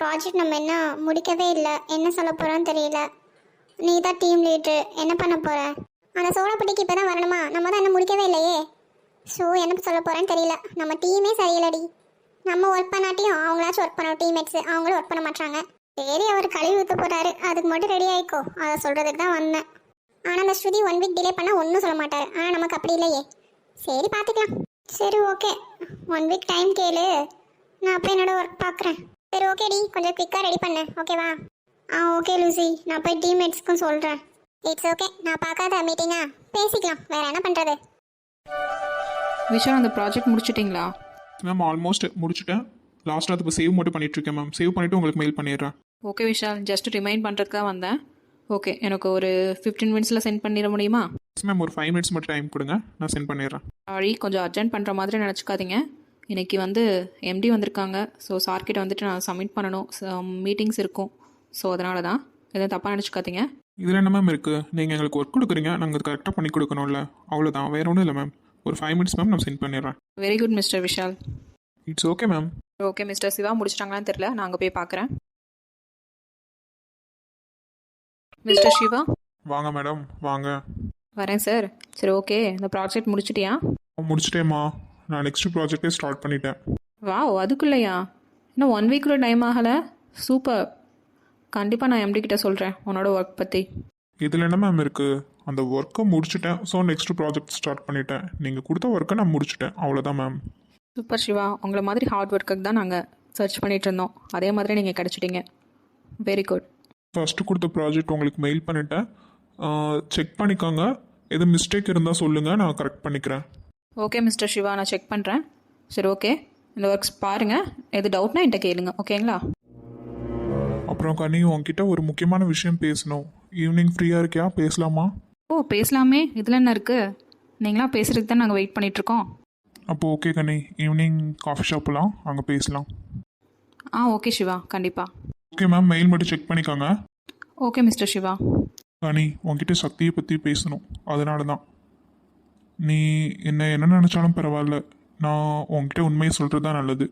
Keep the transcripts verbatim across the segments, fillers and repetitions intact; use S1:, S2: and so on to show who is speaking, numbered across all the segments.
S1: Project நம்ம என்ன முடிக்கவே இல்லை, என்ன சொல்ல போகிறோன்னு தெரியல. நீ தான் டீம் லீட்ரு, என்ன பண்ண போகிற? அந்த சோழப்பட்டிக்கு இப்போ தான் வரணுமா? நம்ம தான் என்ன முடிக்கவே இல்லையே. ஸோ என்ன சொல்ல போகிறேன்னு தெரியல. நம்ம டீமே சரியில்லடி. நம்ம ஒர்க் பண்ணாட்டியும் அவங்களாச்சும் ஒர்க் பண்ணோம், டீம்மேட்ஸு அவங்களும் ஒர்க் பண்ண மாட்டாங்க. சரி, அவர் கழுவி ஊற்ற போகிறாரு, அதுக்கு மட்டும் ரெடி ஆகிக்கோ, அதை சொல்கிறதுக்கு தான் வந்தேன். ஆனால் அந்த ஸ்ருதி ஒன் வீக் டிலே பண்ணால் ஒன்றும் சொல்ல மாட்டார். ஆனால் நமக்கு அப்படி இல்லையே. சரி, பார்த்துக்கலாம். சரி, ஓகே, ஒன் வீக் டைம் கேளு, நான் அப்போ என்னோட ஒர்க் பார்க்குறேன். சரி, ஓகேடி, கொஞ்சம் குயிக்காக ரெடி பண்ணேன், ஓகேவா? ஆ ஓகே லூசி, நான் போய் டீம்மேட்ஸ்க்கும் சொல்கிறேன். இட்ஸ் ஓகே, நான் பார்க்காத மீட்டிங்கா, பேசிக்கலாம், வேறு என்ன பண்ணுறது.
S2: விஷால், அந்த ப்ராஜெக்ட் முடிச்சிட்டிங்களா?
S3: மேம் ஆல்மோஸ்ட் முடிச்சுட்டேன். லாஸ்ட்டாக அது இப்போ சேவ் மட்டும் பண்ணிகிட்ருக்கேன் மேம். சேவ் பண்ணிவிட்டு உங்களுக்கு மெயில் பண்ணிடுறேன்.
S2: ஓகே விஷால், ஜஸ்ட் ரிமைண்ட் பண்ணுறதுக்கு தான் வந்தேன். ஓகே, எனக்கு ஒரு ஃபிஃப்டீன் மினிட்ஸில் சென்ட் பண்ணிட முடியுமா?
S3: மேம் ஒரு ஃபைவ் மினிட்ஸ் மட்டும் டைம் கொடுங்க, நான் சென்ட் பண்ணிடுறேன்.
S2: சாரி, கொஞ்சம் அர்ஜென்ட் பண்ணுற மாதிரி நினச்சிக்காதீங்க. இன்றைக்கி வந்து எம்டி வந்திருக்காங்க. ஸோ சார்கிட்ட வந்துட்டு நான் சப்மிட் பண்ணணும், மீட்டிங்ஸ் இருக்கும். ஸோ அதனால தான், எதுவும் தப்பாக நினச்சிக்காதீங்க.
S3: இதில் என்ன மேம் இருக்குது? நீங்கள் எங்களுக்கு ஒர்க் கொடுக்குறீங்க, நாங்கள் அது கரெக்டாக பண்ணி கொடுக்கணும்ல, அவ்வளோதான், வேறு ஒன்றும் இல்லை மேம். ஒரு ஃபைவ் மினிட்ஸ் மேம், நான் சென்ட் பண்ணிடுறேன்.
S2: Very good mister Vishal.
S3: It's okay ma'am.
S2: Okay mister Siva, முடிச்சிட்டாங்களான்னு தெரில, நான் அங்கே போய் பார்க்குறேன். மிஸ்டர் சிவா,
S3: வாங்க மேடம், வாங்க.
S2: வரேன் சார். சரி, ஓகே, இந்த ப்ராஜெக்ட் முடிச்சிட்டியா?
S3: முடிச்சிட்டேம்மா, நான் நெக்ஸ்ட் ப்ராஜெக்டே ஸ்டார்ட் பண்ணிட்டேன்.
S2: வாவ், அதுக்குள்ளேயா? இன்னும் ஒன் வீக்குள்ள டைம் ஆகலை. சூப்பர். கண்டிப்பாக நான் எம்டி கிட்ட சொல்கிறேன் உன்னோட ஒர்க் பற்றி.
S3: இதில் என்ன மேம் இருக்குது? அந்த ஒர்க்கை முடிச்சுட்டேன், ஸோ நெக்ஸ்ட் ப்ராஜெக்ட் ஸ்டார்ட் பண்ணிட்டேன். நீங்கள் கொடுத்த ஒர்க்கை நான் முடிச்சுட்டேன், அவ்வளோதான் மேம்.
S2: சூப்பர் சிவா, உங்களை மாதிரி ஹார்ட் ஒர்க்குக்கு தான் நாங்கள் சர்ச் பண்ணிகிட்டு இருந்தோம். அதே மாதிரி நீங்கள் கிடச்சிட்டிங்க. Very good.
S3: ஃபஸ்ட்டு கொடுத்த ப்ராஜெக்ட் உங்களுக்கு மெயில் பண்ணிட்டேன், செக் பண்ணிக்கோங்க. எது மிஸ்டேக் இருந்தால் சொல்லுங்கள், நான் கரெக்ட் பண்ணிக்கிறேன்.
S2: ஓகே மிஸ்டர் சிவா, நான் செக் பண்ணுறேன். சரி, ஓகே, இந்த ஒர்க்ஸ் பாருங்கள், எது டவுட்னா என்கிட்ட கேளுங்க, ஓகேங்களா?
S3: அப்புறம் கனி, உங்ககிட்ட ஒரு முக்கியமான விஷயம் பேசணும். ஈவினிங் ஃப்ரீயாக இருக்கியா? பேசலாமா?
S2: ஓ, பேசலாமே, இதில் என்ன இருக்குது? நீங்களாம் பேசுகிறதுக்கு தான் நாங்கள் வெயிட் பண்ணிகிட்ருக்கோம்.
S3: அப்போது ஓகே கனி, ஈவினிங் காஃபி ஷாப்லாம் அங்கே பேசலாம்.
S2: ஆ ஓகே சிவா, கண்டிப்பாக.
S3: ஓகே மேம், மெயில் மட்டும் செக் பண்ணிக்கோங்க.
S2: Okay mister Siva.
S3: கனி, உங்ககிட்ட சக்தியை பற்றி பேசணும், அதனால தான். நீ என்ன என்ன நினச்சாலும் பரவாயில்ல, நான் உங்ககிட்ட உண்மையை சொல்கிறது தான் நல்லது.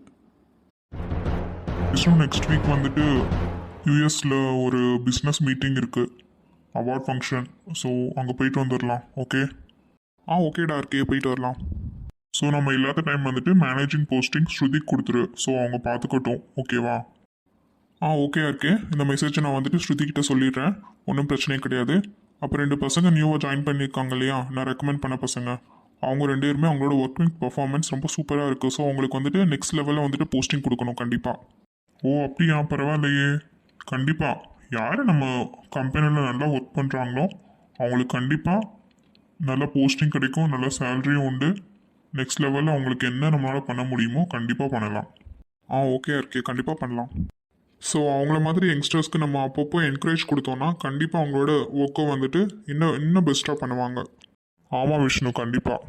S4: நெக்ஸ்ட் வீக் வந்துட்டு யூஎஸில் ஒரு பிஸ்னஸ் மீட்டிங் இருக்குது, அவார்ட் ஃபங்க்ஷன். ஸோ அங்கே போயிட்டு வந்துடலாம், ஓகே?
S3: ஆ ஓகேடா, இருக்கே, போயிட்டு வரலாம்.
S4: ஸோ நம்ம இல்லாத டைம் வந்துட்டு மேனேஜிங் போஸ்டிங் ஸ்ருதிக்கு கொடுத்துரு, ஸோ அவங்க பார்த்துக்கட்டும், ஓகேவா?
S3: ஆ ஓகே இருக்கே, இந்த மெசேஜை நான் வந்துட்டு ஸ்ருதிக்கிட்ட சொல்லிடுறேன், ஒன்றும் பிரச்சனையே கிடையாது. அப்புறம் ரெண்டு பசங்க நியூவாக ஜாயின் பண்ணியிருக்காங்க இல்லையா, நான் ரெக்கமெண்ட் பண்ண பசங்க, அவங்க ரெண்டு பேருமே அவங்களோட ஒர்க்கிங் பர்ஃபார்மன்ஸ் ரொம்ப சூப்பராக இருக்குது. ஸோ அவங்களுக்கு வந்துட்டு நெக்ஸ்ட் லெவலில் வந்துட்டு போஸ்டிங் கொடுக்கணும் கண்டிப்பாக.
S4: ஓ அப்படியா, பரவாயில்லையே. கண்டிப்பாக யார் நம்ம கம்பெனியில் நல்லா ஒர்க் பண்ணுறாங்களோ அவங்களுக்கு கண்டிப்பாக நல்ல போஸ்டிங் கிடைக்கும், நல்ல சேலரியும் உண்டு. நெக்ஸ்ட் லெவலில் அவங்களுக்கு என்ன நம்மளால் பண்ண முடியுமோ கண்டிப்பாக பண்ணலாம்.
S3: ஆ ஓகே இருக்கே, கண்டிப்பாக பண்ணலாம். ஸோ அவங்கள மாதிரி யங்ஸ்டர்ஸ்க்கு நம்ம அப்பப்போ என்கரேஜ் கொடுத்தோன்னா கண்டிப்பாக அவங்களோட ஒர்க்கை வந்துட்டு இன்னும் இன்னும் பெஸ்ட்டாக பண்ணுவாங்க.
S4: ஆமாம் விஷ்ணு, கண்டிப்பாக.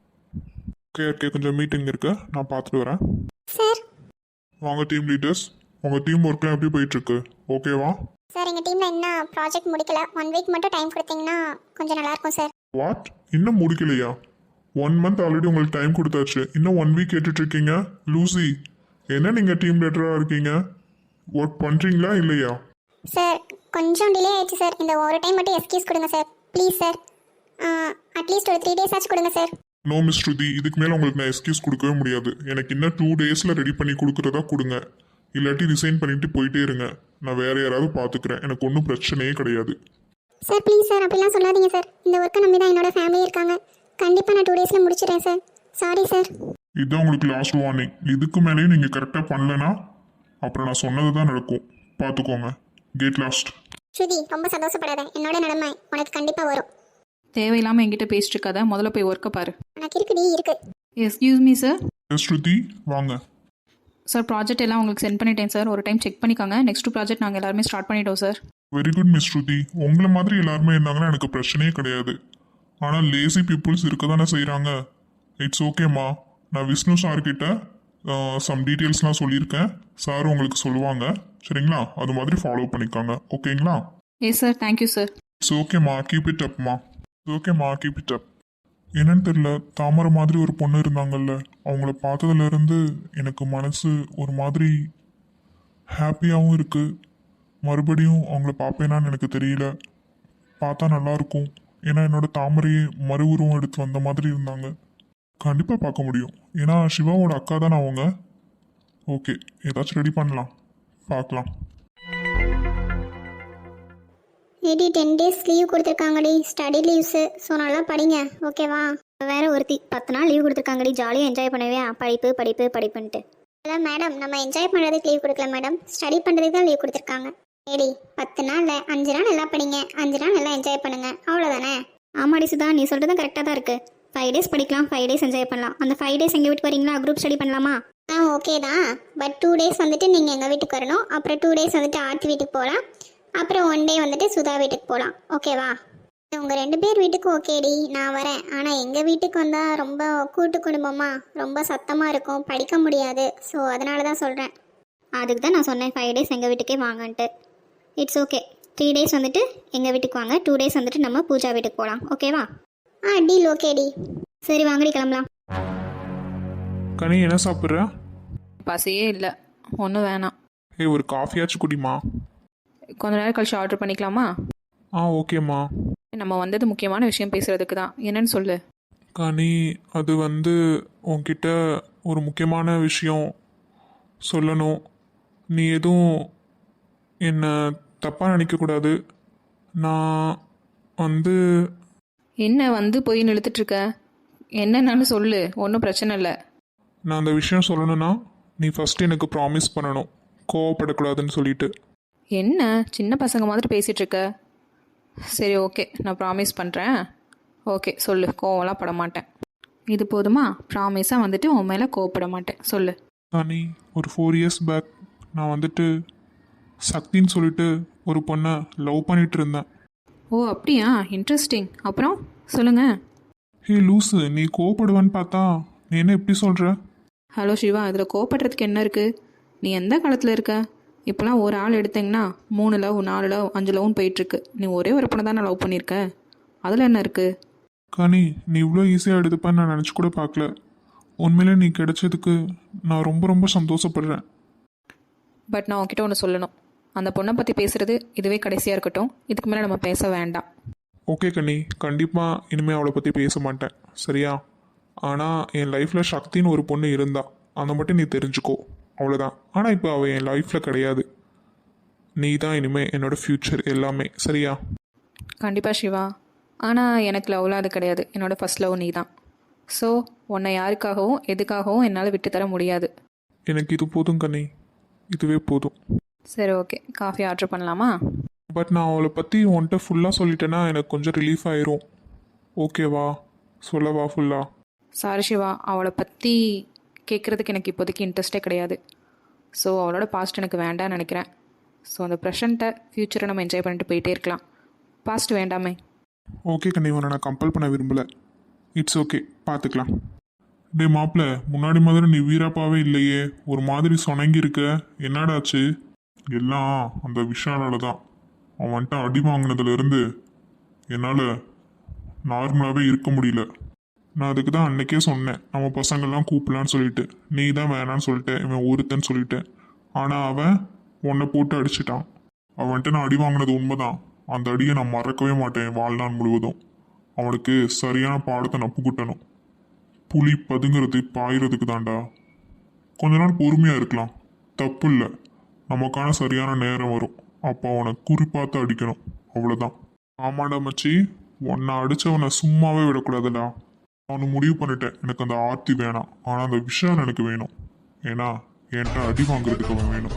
S3: ஓகே இருக்கே, கொஞ்சம் மீட்டிங் இருக்குது, நான் பார்த்துட்டு வரேன்.
S1: சார்
S4: வாங்க டீம் லீடர்ஸ், உங்கள் டீம் ஒர்க்லாம் எப்படி போயிட்டுருக்கு, ஓகேவா?
S1: சார், எங்கள் டீமில் இன்னும் ப்ராஜெக்ட் முடிக்கல. ஒன் வீக் மட்டும் டைம் கொடுத்தீங்கன்னா கொஞ்சம் நல்லாயிருக்கும் சார்.
S4: வாட், இன்னும் முடிக்கலையா? ஒன் மந்த் ஆல்ரெடி உங்களுக்கு டைம் கொடுத்தாச்சு, இன்னும் ஒன் வீக் கேட்டுட்ருக்கீங்க? லூசி, என்ன நீங்கள் டீம் லீடராக இருக்கீங்க, ஒர்க் பண்ணுறீங்களா இல்லையா?
S1: சார், கொஞ்சம் டிலே ஆயிடுச்சு சார். இந்த ஒரு டைம் மட்டும் எக்ஸ்கியூஸ் கொடுங்க சார், ப்ளீஸ் சார். அட்லீஸ்ட் ஒரு த்ரீ டேஸ் ஆச்சு கொடுங்க சார்.
S4: நோ மிஸ் ஸ்ருதி, இதுக்கு மேலே உங்களுக்கு நான் எக்ஸ்கியூஸ் கொடுக்கவே முடியாது. எனக்கு இன்னும் டூ டேஸில் ரெடி பண்ணி கொடுக்குறதா கொடுங்க, இல்லாட்டி ரிசைன் பண்ணிட்டு போயிட்டே இருங்க. நான் வேற யாராவது பார்த்துக்கிறேன், எனக்கு ஒன்றும் பிரச்சனையே கிடையாது.
S1: சார் ப்ளீஸ் சார், அப்படிலாம் சொல்லாதீங்க சார். இந்த ஒர்க்கை நம்பி தான் என்னோட ஃபேமிலி இருக்காங்க. கண்டிப்பாக நான் டூ டேஸில் முடிச்சிடுறேன் சார். Sorry sir.
S4: இதுதான் உங்களுக்கு லாஸ்ட் வார்னிங். இதுக்கு மேலேயும் நீங்கள் கரெக்டாக பண்ணலன்னா அப்புறம் நான் சொன்னது தான் நடக்கும், பார்த்துக்கோங்க. Get lost.
S1: ஸ்ருதி, ரொம்ப சந்தோஷப்படாத. என்னோட நிலைமை உனக்கு கண்டிப்பாக வரும்.
S2: தேவையில்லாமல் என்கிட்ட பேசிட்டு இருக்காத, முதல்ல போய் ஒர்க்கை பாரு.
S1: உனக்கு இருக்குடி, இருக்கு.
S2: Excuse me sir.
S4: ஸ்ருதி வாங்க.
S2: சார், ப்ராஜெக்ட் எல்லாம் உங்களுக்கு சென்ட் பண்ணிட்டேன் சார், ஒரு டைம் செக் பண்ணிக்கோங்க. நெக்ஸ்ட் ப்ராஜெக்ட் நாங்கள் எல்லாருமே ஸ்டார்ட் பண்ணிட்டோம் sir.
S4: Very good miss Shruti, உங்களை மாதிரி எல்லாருமே இருந்தாங்கன்னா எனக்கு பிரச்சனையே கிடையாது. ஆனால் லேசி பீப்புள்ஸ் இருக்க தானே செய்கிறாங்க. இட்ஸ் ஓகேம்மா, நான் விஷ்ணு சார்கிட்ட சம் டீட்டெயில்ஸ்லாம் சொல்லியிருக்கேன், சார் உங்களுக்கு சொல்லுவாங்க, சரிங்களா? அது மாதிரி ஃபாலோ பண்ணிக்கோங்க, ஓகேங்களா?
S2: Yes sir, thank you sir.
S4: It's ஓகேம்மா, கீப் இட் அப்மா. இட்ஸ் ஓகேம்மா, கீப் இட் அப். என்னன்னு தெரியல, தாமரை மாதிரி ஒரு பொண்ணு இருந்தாங்கல்ல, அவங்கள பார்த்ததுலேருந்து எனக்கு மனசு ஒரு மாதிரி ஹாப்பியாகவும் இருக்குது. மறுபடியும் அவங்கள பார்ப்பேனான்னு எனக்கு தெரியல. பார்த்தா நல்லாயிருக்கும். ஏன்னா என்னோட தாமரையே மறு உருவம் எடுத்து வந்த மாதிரி இருந்தாங்க. கண்டிப்பாக பார்க்க முடியும். ஏன்னா சிவாவோட அக்கா தானே அவங்க. ஓகே, ஏதாச்சும் ரெடி பண்ணலாம், பார்க்கலாம்.
S1: ஏடி டென் டேஸ் லீவ் கொடுத்துருக்காங்கடி, ஸ்டடி லீவ்ஸு. ஸோ நல்லா படிங்க, ஓகேவா?
S5: வேற ஒருத்தி பத்து நாள் லீவ் கொடுத்துருக்காங்கடி, ஜாலியாக என்ஜாய் பண்ணவே. படிப்பு படிப்பு படிப்புன்ட்டு.
S1: இல்லை மேடம், நம்ம என்ஜாய் பண்ணுறதுக்கு லீவ் கொடுக்கல மேடம், ஸ்டடி பண்ணுறதுக்கு தான் லீவ் கொடுத்துருக்காங்க. ஏடி பத்து நாளில் அஞ்சு நாள் நல்லா படிங்க, அஞ்சு நாள் நல்லா என்ஜாய் பண்ணுங்க, அவ்வளோதானே?
S5: ஆமாடி சுதா, நீ சொல்கிறது கரெக்டாக தான் இருக்குது. ஃபைவ் டேஸ் படிக்கலாம், ஃபைவ் டேஸ் என்ஜாய் பண்ணலாம். அந்த ஃபைவ் டேஸ் எங்கள் வீட்டுக்கு வரீங்களா? குரூப் ஸ்டடி பண்ணலாமா?
S1: ஆ ஓகே தான். பட் டூ டேஸ் வந்துட்டு நீங்கள் எங்கள் வீட்டுக்கு வரணும். அப்புறம் டூ டேஸ் வந்துட்டு ஆர்த்தி வீட்டுக்கு போகலாம். அப்புறம் ஒன் டே வந்துட்டு சுதா வீட்டுக்கு போகலாம், ஓகேவா? உங்கள் ரெண்டு பேர் வீட்டுக்கு ஓகேடி, நான் வரேன். ஆனால் எங்கள் வீட்டுக்கு வந்தால் ரொம்ப கூட்டு குடும்பமாக ரொம்ப சத்தமாக இருக்கும், படிக்க முடியாது. ஸோ அதனால தான் சொல்கிறேன்.
S5: அதுக்கு தான் நான் சொன்னேன் ஃபைவ் டேஸ் எங்கள் வீட்டுக்கே வாங்கன்ட்டு. It's okay. த்ரீ டேஸ் வந்துட்டு எங்கள் வீட்டுக்கு வாங்க, டூ டேஸ் வந்துட்டு நம்ம பூஜா வீட்டுக்கு போகலாம், ஓகேவா?
S1: ஆ டீல், ஓகேடி.
S5: சரி வாங்கடி கிளம்பலாம்.
S3: கனி என்ன சாப்பிட்ற?
S2: பசியே இல்லை, ஒன்றும் வேணாம்.
S3: ஏய், ஒரு காஃபியாச்சும் குடிமா.
S2: கொஞ்ச நேரம் கழிச்சு ஆர்டர் பண்ணிக்கலாமா?
S3: ஆ ஓகேம்மா.
S2: நம்ம வந்தது முக்கியமான விஷயம் பேசுகிறதுக்கு தான். என்னன்னு சொல்லு.
S3: கனி, அது வந்து உன்கிட்ட ஒரு முக்கியமான விஷயம் சொல்லணும். நீ எதுவும் என்னை தப்பாக நினைக்கக்கூடாது. நான் வந்து
S2: என்ன வந்து போய் நிறுத்துட்ருக்க? என்னன்னு சொல்லு, ஒன்றும் பிரச்சனை இல்லை.
S3: நான் அந்த விஷயம் சொல்லணும்னா நீ ஃபஸ்ட்டு எனக்கு ப்ராமிஸ் பண்ணணும், கோவப்படக்கூடாதுன்னு சொல்லிட்டு.
S2: என்ன சின்ன பசங்க மாதிரி பேசிகிட்டு இருக்க? சரி ஓகே, நான் ப்ராமிஸ் பண்ணுறேன். ஓகே சொல்லு, கோவம்லாம் பட மாட்டேன். இது போதுமா? ப்ராமிஸாக வந்துட்டு உன் மேலே கோவப்பட மாட்டேன், சொல்லு.
S3: கனி, ஒரு ஃபோர் இயர்ஸ் பேக் நான் வந்துட்டு சக்தின்னு சொல்லிட்டு ஒரு பொண்ணை லவ் பண்ணிட்டு இருந்தேன்.
S2: ஓ அப்படியா, இன்ட்ரெஸ்டிங். அப்புறம் சொல்லுங்கள்.
S3: ஹே லூஸு, நீ கோவப்படுவேன்னு பார்த்தா நீ என்ன இப்படி சொல்கிற?
S2: ஹலோ சிவா, இதில் கோவப்படுறதுக்கு என்ன இருக்குது? நீ எந்த காலத்தில் இருக்க? இப்போலாம் ஒரு ஆள் எடுத்தீங்கன்னா மூணு லவ், நாலு லவ், அஞ்சு லவ்னு போயிட்டுருக்கு. நீ ஒரே ஒரு பொண்ணை தானே லவ் பண்ணியிருக்க, அதில் என்ன இருக்குது?
S3: கனி, நீ இவ்வளோ ஈஸியாக எடுத்துப்பேன்னு நான் நினச்சி கூட பார்க்கல. உண்மையிலே நீ கிடைச்சதுக்கு நான் ரொம்ப ரொம்ப சந்தோஷப்படுறேன்.
S2: பட் நான் உன்கிட்ட ஒன்று சொல்லணும். அந்த பொண்ணை பற்றி பேசுகிறது இதுவே கடைசியாக இருக்கட்டும். இதுக்கு மேலே நம்ம பேச வேண்டாம்.
S3: ஓகே கனி, கண்டிப்பாக இனிமேல் அவளை பற்றி பேச மாட்டேன், சரியா? ஆனால் என் லைஃப்பில் சக்தின்னு ஒரு பொண்ணு இருந்தா, அதை மட்டும் நீ தெரிஞ்சுக்கோ, அவ்வளோதான். ஆனால் இப்போ அவள் என் லைஃப்பில் கிடையாது. நீ தான் இனிமேல் என்னோட ஃப்யூச்சர் எல்லாமே, சரியா?
S2: கண்டிப்பாக சிவா. ஆனால் எனக்கு லவ்லாம் அது கிடையாது. என்னோடய ஃபஸ்ட் லவ் நீ தான். ஸோ உன்னை யாருக்காகவும் எதுக்காகவும் என்னால் விட்டு தர முடியாது.
S3: எனக்கு இது போதும் கனி, இதுவே போதும்.
S2: சரி ஓகே, காஃபி ஆர்டர் பண்ணலாமா?
S3: பட் நான் அவளை பற்றி உன்கிட்ட ஃபுல்லாக சொல்லிட்டேன்னா எனக்கு கொஞ்சம் ரிலீஃப் ஆயிரும். ஓகேவா? சொல்லவா ஃபுல்லாக?
S2: சாரி சிவா, அவளை பற்றி கேட்குறதுக்கு எனக்கு இப்போதைக்கு இன்ட்ரெஸ்டே கிடையாது. ஸோ அவளோட பாஸ்ட் எனக்கு வேண்டாம்னு நினைக்கிறேன். ஸோ அந்த ப்ரெசண்ட்டை ஃப்யூச்சரை நம்ம என்ஜாய் பண்ணிட்டு போயிட்டே இருக்கலாம். பாஸ்ட் வேண்டாமே.
S3: ஓகே கண்ணி, உன்னை நான் கம்பல் பண்ண விரும்பலை. இட்ஸ் ஓகே, பார்த்துக்கலாம். டே மாப்பிள்ள, முன்னாடி மாதிரி நீ வீராப்பாவே இல்லையே, ஒரு மாதிரி சொனங்கி இருக்க, என்னடாச்சு? எல்லாம் அந்த விஷாலால தான். அவன் வந்துட்டு அடி வாங்கினதுலேருந்து என்னால் நார்மலாகவே இருக்க முடியல. நான் அதுக்கு தான் அன்னைக்கே சொன்னேன், நம்ம பசங்கள்லாம் கூப்பிடலான்னு சொல்லிட்டு. நீ தான் வேணான்னு சொல்லிட்டேன், இவன் ஒருத்தன்னு சொல்லிட்டேன். ஆனால் அவன் உன்னை போட்டு அடிச்சிட்டான். அவன்கிட்ட நான் அடி வாங்கினது உண்மைதான். அந்த அடியை நான் மறக்கவே மாட்டேன் வாழ்நாள் முழுவதும். அவனுக்கு சரியான பாடத்தை நப்பு குட்டணும். புலி பதுங்கிறது பாயிறதுக்கு தாண்டா. கொஞ்ச நாள் பொறுமையாக இருக்கலாம், தப்பு இல்லை. நமக்கான சரியான நேரம் வரும், அப்போ அவனை குறிப்பாத்து அடிக்கணும், அவ்வளோதான். ஆமாடா மச்சி, உன்னை அடித்தவனை சும்மாவே விடக்கூடாதுடா. அவனை முடிவு பண்ணிட்டேன், எனக்கு அந்த ஆர்த்தி வேணாம், ஆனால் அந்த விஷயம் எனக்கு வேணும். ஏன்னா என்கிட்ட அடி வாங்குறதுக்கு அவன் வேணும்.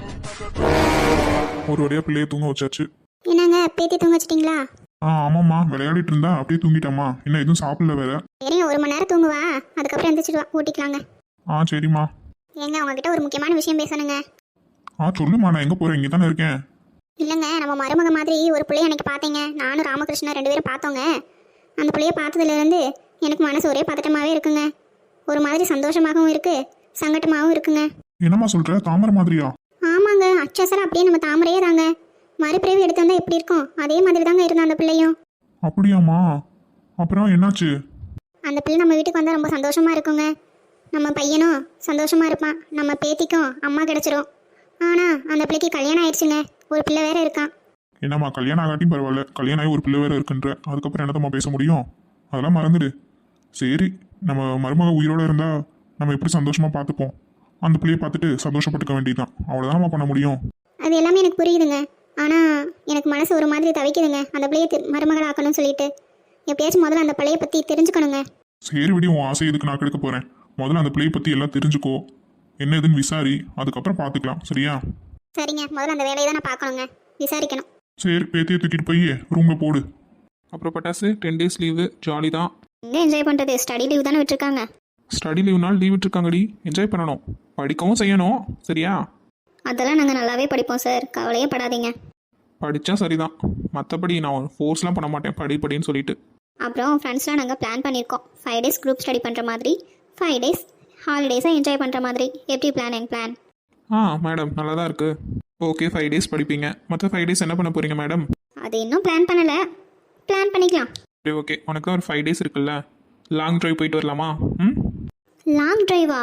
S3: ஒரு வழியாக பிள்ளைய தூங்க வச்சாச்சு.
S1: என்னங்க பேத்தி தூங்க வச்சிட்டிங்களா?
S3: ஆ ஆமாம்மா, விளையாடிட்டு இருந்தா அப்படியே தூங்கிட்டாம்மா. இன்னும் எதுவும் சாப்பிடல வேற.
S1: சரிங்க, ஒரு மணி நேரம் தூங்குவா, அதுக்கப்புறம் எந்திரிச்சிடுவா, ஊட்டிக்கலாங்க.
S3: ஆ சரிம்மா.
S1: ஏங்க உங்ககிட்ட ஒரு முக்கியமான விஷயம் பேசணுங்க.
S3: ஆ சொல்லுமா, நான் எங்கே போகிறேன், இங்கே தானே இருக்கேன்.
S1: இல்லைங்க, நம்ம மருமக மாதிரி ஒரு பிள்ளைய அன்னைக்கு பார்த்தேங்க. நானும் ராமகிருஷ்ணன் ரெண்டு பேரும் பார்த்தோங்க. அந்த பிள்ளைய பார்த்ததுலேருந்து எனக்கு மனசு ஒரே பதட்டமாகவே இருக்குங்க. ஒரு மாதிரி சந்தோஷமாகவும் இருக்குது, சங்கட்டமாகவும் இருக்குங்க.
S3: என்னம்மா சொல்கிற, தாமரை மாதிரியா?
S1: ஆமாங்க, அச்சசரம் அப்படியே நம்ம தாமரையே தாங்க. மறுபிறவி எடுத்து வந்தால் எப்படி இருக்கும், அதே மாதிரி தாங்க இருந்தா அந்த பிள்ளையும்.
S3: அப்படியாம்மா? அப்புறம் என்னாச்சு?
S1: அந்த பிள்ளை நம்ம வீட்டுக்கு வந்தால் ரொம்ப சந்தோஷமாக இருக்குங்க. நம்ம பையனும் சந்தோஷமாக இருப்பான், நம்ம பேத்திக்கும் அம்மா கிடச்சிரும். ஆனால் அந்த பிள்ளைக்கு கல்யாணம் ஆயிடுச்சுங்க, ஒரு பிள்ளை வேற இருக்கான்.
S3: என்னம்மா கல்யாணம் ஆகாட்டியும் பரவாயில்ல, கல்யாணம் ஆகி ஒரு பிள்ளை வேற இருக்குன்ற, அதுக்கப்புறம் என்னத்தம்மா பேச முடியும்? அதெல்லாம் மறந்துடு. சரி, நம்ம மருமக உயிரோட இருந்தா நம்ம எப்படி சந்தோஷமா பார்த்துப்போம், அந்த பிள்ளையை பார்த்துட்டு சந்தோஷப்பட்டுக்க வேண்டியதுதான். அவ்வளோதான் நம்ம பண்ண முடியும்.
S1: அது எல்லாமே எனக்கு புரியுதுங்க, ஆனால் எனக்கு மனசு ஒரு மாதிரி தவிக்குதுங்க அந்த பிள்ளையை தி- மருமகள் ஆக்கணும்னு சொல்லிட்டு. எப்படியாச்சும் முதல்ல அந்த பிள்ளையை பற்றி தெரிஞ்சுக்கணுங்க.
S3: சரி விடி, உன் ஆசை எதுக்கு நான் கெடுக்க போறேன். முதல்ல அந்த பிள்ளையை பத்தி எல்லாம் தெரிஞ்சுக்கோ, என்ன ஏதுன்னு விசாரி, அதுக்கப்புறம் பார்த்துக்கலாம். சரியா?
S1: சரிங்க, முதல்ல அந்த வேலையை தான் நான் பார்க்கணுங்க, விசாரிக்கணும்.
S3: சரி, பேத்தியை தூக்கிட்டு போய் ரூம்ல போடு.
S2: அப்புறம் பட்டாசு டென் டேஸ் லீவு ஜாலி தான்.
S5: எங்கே என்ஜாய் பண்ணுறது, ஸ்டடி லீவ் தானே விட்டுருக்காங்க.
S2: ஸ்டடி லீவ் நாள் லீவ் விட்டுருக்காங்கடி, என்ஜாய் பண்ணணும், படிக்கவும் செய்யணும். சரியா?
S5: அதெல்லாம் நாங்கள் நல்லாவே படிப்போம் சார், கவலையே படாதீங்க.
S2: படித்தா சரிதான், மற்றபடி நான் ஃபோர்ஸ்லாம் பண்ண மாட்டேன் படி படின்னு சொல்லிட்டு.
S5: அப்புறம் ஃப்ரெண்ட்ஸ்லாம் நாங்கள் பிளான் பண்ணியிருக்கோம், ஃபைவ் டேஸ் குரூப் ஸ்டடி பண்ணுற மாதிரி, ஃபைவ் டேஸ் ஹாலிடேஸை என்ஜாய் பண்ணுற மாதிரி. எப்படி பிளான் என் பிளான்?
S2: ஆ மேடம் நல்லா தான் இருக்குது. ஓகே, ஃபைவ் டேஸ் படிப்பீங்க, மற்ற ஃபைவ் டேஸ் என்ன பண்ண போகிறீங்க மேடம்?
S5: அது இன்னும் பிளான் பண்ணலை, பிளான் பண்ணிக்கலாம்.
S2: சரி ஓகே, உனக்கு ஒரு ஃபைவ் டேஸ் இருக்குல்ல, லாங் ட்ரைவ் போயிட்டு வரலாமா? ம்
S5: லாங் டிரைவா?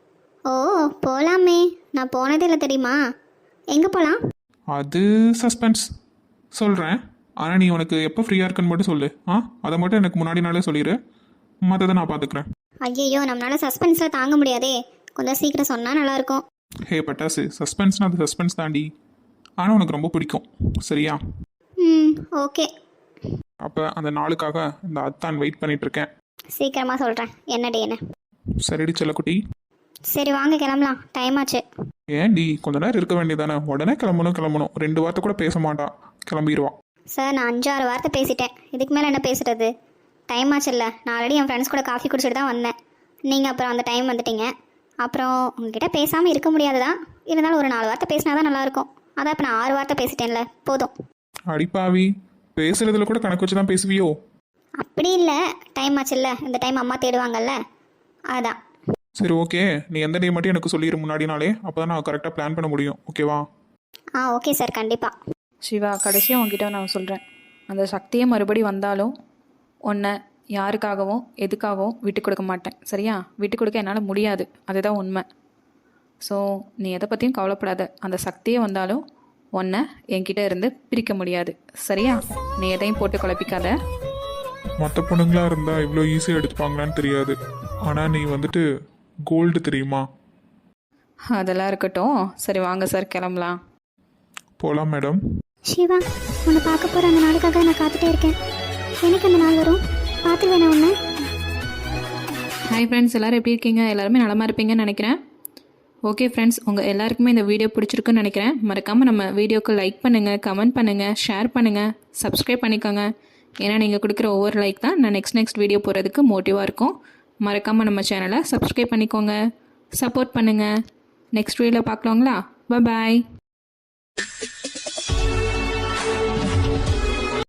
S5: ஓ போகலாமே, நான் போனதே இல்லை தெரியுமா. எங்கே போகலாம்?
S2: அது சஸ்பென்ஸ் சொல்கிறேன், ஆனால் நீ உனக்கு எப்போ ஃப்ரீயாக இருக்குன்னு மட்டும் சொல்லு. ஆ அதை மட்டும் எனக்கு முன்னாடி நாளே சொல்லிடு, மற்றதை நான் பார்த்துக்குறேன்.
S5: ஐயோ, நம்மளால சஸ்பென்ஸில் தாங்க முடியாதே, கொஞ்சம் சீக்கிரம் சொன்னால் நல்லாயிருக்கும்.
S2: ஹே பட்டாசு, சஸ்பென்ஸ்னால் அது சஸ்பென்ஸ் தாண்டி, ஆனால் உனக்கு ரொம்ப பிடிக்கும். சரியா?
S5: ம் ஓகே,
S2: அப்போ அந்த நாளுக்காக இந்த அத்தான் வெயிட் பண்ணிகிட்ருக்கேன்.
S5: சீக்கிரமாக சொல்கிறேன் என்ன டேன்னு.
S2: சரிடி செல்லக்குட்டி.
S5: சரி வாங்க கிளம்பலாம், டைம் ஆச்சு.
S2: ஏன்டி கொஞ்ச நேரம் இருக்க வேண்டியதானே? உடனே கிளம்பணும் கிளம்பணும் ரெண்டு வார்த்தை கூட பேச மாட்டா, கிளம்பிடுவா.
S5: சார் நான் அஞ்சாறு வார்த்தை பேசிட்டேன், இதுக்கு மேலே என்ன பேசுறது? டைம் ஆச்சுல்ல, நான் ஆல்ரெடி என் ஃப்ரெண்ட்ஸ் கூட காஃபி குடிச்சிட்டு தான் வந்தேன். நீங்கள் அப்புறம் அந்த டைம் வந்துட்டீங்க. அப்புறம் உங்ககிட்ட பேசாமல் இருக்க முடியாது தான், இருந்தாலும் ஒரு நாலு வார்த்தை பேசினா தான் நல்லாயிருக்கும். அதான் இப்போ நான் ஆறு வார்த்தை பேசிட்டேன்ல, போதும்.
S2: அடிப்பாவி, பேசுறதுல கூட கணக்கு வச்சு தான் பேசுவியோ?
S5: அப்படி இல்லை, டைம் ஆச்சுல்ல, இந்த டைம் அம்மா தேடுவாங்கல்ல, அதான்.
S2: சரி ஓகே, நீ எந்த டே மட்டும் எனக்கு சொல்லிடு முன்னாடி நாளே, அப்போ தான் நான் கரெக்டாக பிளான் பண்ண முடியும். ஓகேவா?
S5: ஆ ஓகே சார், கண்டிப்பாக.
S6: சிவா, கடைசியாக உங்ககிட்ட நான் சொல்கிறேன், அந்த சக்தியே மறுபடி வந்தாலும் உன்னை யாருக்காகவும் எதுக்காகவும் விட்டு கொடுக்க மாட்டேன். சரியா? விட்டு கொடுக்க என்னால் முடியாது, அதுதான் உண்மை. ஸோ நீ எதை பற்றியும் கவலைப்படாத, அந்த சக்தியே வந்தாலும் உன்னை என்கிட்ட இருந்து பிரிக்க முடியாது. சரியா? நீ எதையும் போட்டு குழப்பிக்காத.
S3: மற்ற பொண்ணுங்களா இருந்தா இவ்வளோ ஈஸியாக எடுத்துப்பாங்களான்னு தெரியாது, ஆனால் நீ வந்துட்டு கோல்டு தெரியுமா?
S6: அதெல்லாம் இருக்கட்டும். சரி வாங்க சார், கிளம்பலாம்.
S3: போகலாம் மேடம்.
S1: சிவா, உன்னை பார்க்க போகிற அந்த நாளுக்காக நான் காத்துட்டே இருக்கேன். எனக்கு அந்த நாள் வரும், பார்த்துருவேன் நான் உன்னை.
S6: ஹாய் ஃப்ரெண்ட்ஸ், எல்லோரும் எப்படி இருக்கீங்க? எல்லாருமே நலமாக இருப்பீங்கன்னு நினைக்கிறேன். ஓகே ஃப்ரெண்ட்ஸ், உங்கள் எல்லாருக்குமே இந்த வீடியோ பிடிச்சிருக்குன்னு நினைக்கிறேன். மறக்காமல் நம்ம வீடியோக்கு லைக் பண்ணுங்கள், கமெண்ட் பண்ணுங்கள், ஷேர் பண்ணுங்கள், சப்ஸ்கிரைப் பண்ணிக்கோங்க. ஏன்னா நீங்கள் கொடுக்குற ஒவ்வொரு லைக் தான் நான் நெக்ஸ்ட் நெக்ஸ்ட் வீடியோ போகிறதுக்கு மோட்டிவாக இருக்கும். மறக்காமல் நம்ம சேனலை சப்ஸ்கிரைப் பண்ணிக்கோங்க, சப்போர்ட் பண்ணுங்கள். நெக்ஸ்ட் வீடியோவில் பார்க்கலாங்களா? பாய்.